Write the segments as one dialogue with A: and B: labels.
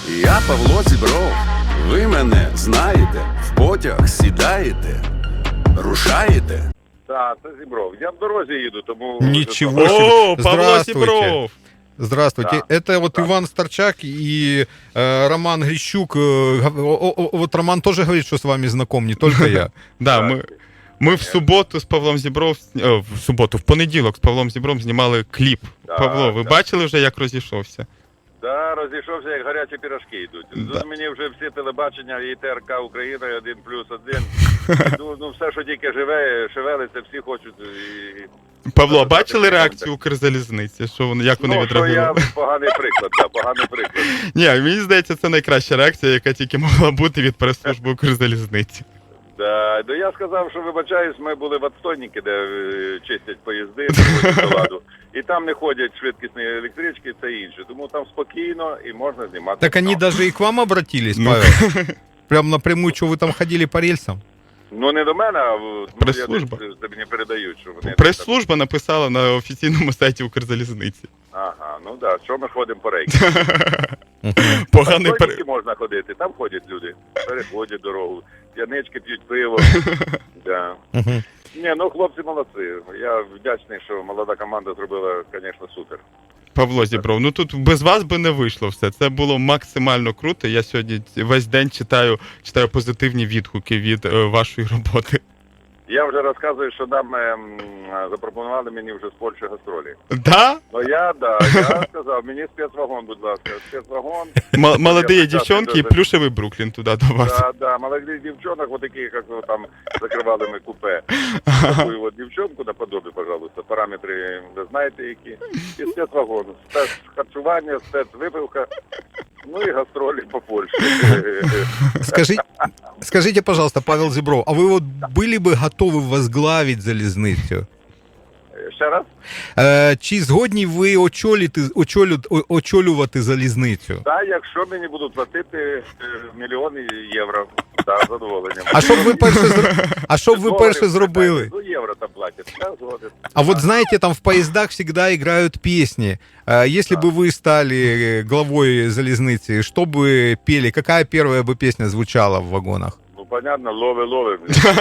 A: Я Павло Зібров. Ви мене знаєте, в потяг сідаєте, рушаєте.
B: Так, це Зібров. Я в дорозі їду, тому...
C: Ничего себе.
D: О, Павло
C: Здравствуйте.
D: Зібров!
C: Здравствуйте.
B: Да.
C: Это вот
B: Да.
C: Иван Старчак и Роман Грищук. Вот Роман тоже говорит, что с вами знаком, не только я.
D: Да, ми в суботу з Павлом Зібров, в понеділок з Павлом Зібром знімали кліп.
B: Да,
D: Павло, ви
B: да.
D: бачили вже, як розійшовся?
B: Да, розійшовся, як гарячі пірожки йдуть.
C: Да.
B: Тут мені вже всі телебачення, і ТРК Україна, 1+1. Ну, все, що тільки живе, шевелиться, всі хочуть.
D: Павло,
B: Ну,
D: бачили
B: так,
D: реакцію Укрзалізниці? Як вони
B: Ну, що я
D: відреагували?
B: поганий приклад, да, поганий приклад.
D: Ні, мені здається, це найкраща реакція, яка тільки могла бути від прес-служби Укрзалізниці.
B: Да, ну я сказав, що вибачаюсь, ми були в отстойнику, де чистять поїзди, приводять до ладу. І там не ходять швидкісні електрички, це інше. Тому там спокійно і можна знімати.
C: Так они
B: кіно.
C: даже и к вам обратились,
D: Ну.
C: Павел? Прям напрямую, что вы там ходили по рельсам?
B: Ну не до мене, а
D: Прес-служба.
B: це мені передають, що вони...
D: Прес-служба написала на офіційному сайті Укрзалізниці.
B: Ага, ну да, що ми ходимо по рейку.
D: Поганий
B: Там тільки можна ходити, там ходять люди, переходять дорогу, п'янички п'ють пиво. Да.
C: Мгм.
B: Ні, ну хлопці молодці. Я вдячний, що молода команда зробила, звісно, супер.
D: Павло Зібров, ну тут без вас би не вийшло все. Це було максимально круто. Я сьогодні весь день читаю позитивні відгуки від вашої роботи.
B: Я вже розказую, що нам запропонували мені вже з Польщі гастролі.
D: Да?
B: Ну я сказав, мені спецвагон, будь ласка, спецвагон.
D: Молоді
B: Я
D: дівчонки і
B: прекрасно
D: плюшевий Бруклін туди до вас.
B: Да, молодых девчонок, вот таких, как вы там закрывали мы купе. Такую вот девчонку наподобие, пожалуйста, параметри ви знаєте які. І спецвагон, спецхарчування, спецвипивка, ну і гастролі по Польщі.
C: Скажите, пожалуйста, Павел Зебров, а вы вот были бы готовы возглавить залізницю?
B: Ще раз?
C: Чи згодні ви очолювати залізницю?
B: Так, якщо мені будуть платити мільйони євро, так, з задоволенням.
C: А що б ви перше зробили?
B: Ну, євро там платять, так, згоден.
C: А вот знаете, там в поездах всегда играют песни. Если бы вы стали главой залезницы, что бы пели? Какая первая бы песня звучала в вагонах?
B: Ну, понятно, лови.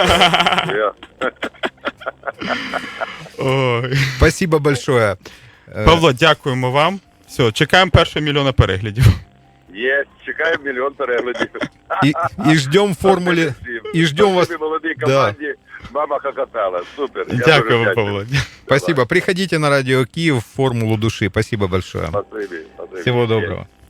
D: Ой.
C: Спасибо большое.
D: Павло, дякуємо вам. Все, чекаємо першого мільйона переглядів.
B: Є, чекаємо мільйон переглядів.
C: И ждем формуле. И ждем вас.
B: Спасибі молодій команді. Мама хохотала. Супер. Я дуже
D: Дякую,
B: вдячний.
D: Павло.
C: Спасибо. Приходите на радио Киев в формулу души. Спасибо большое.
B: Спасибі.
C: Всего доброго.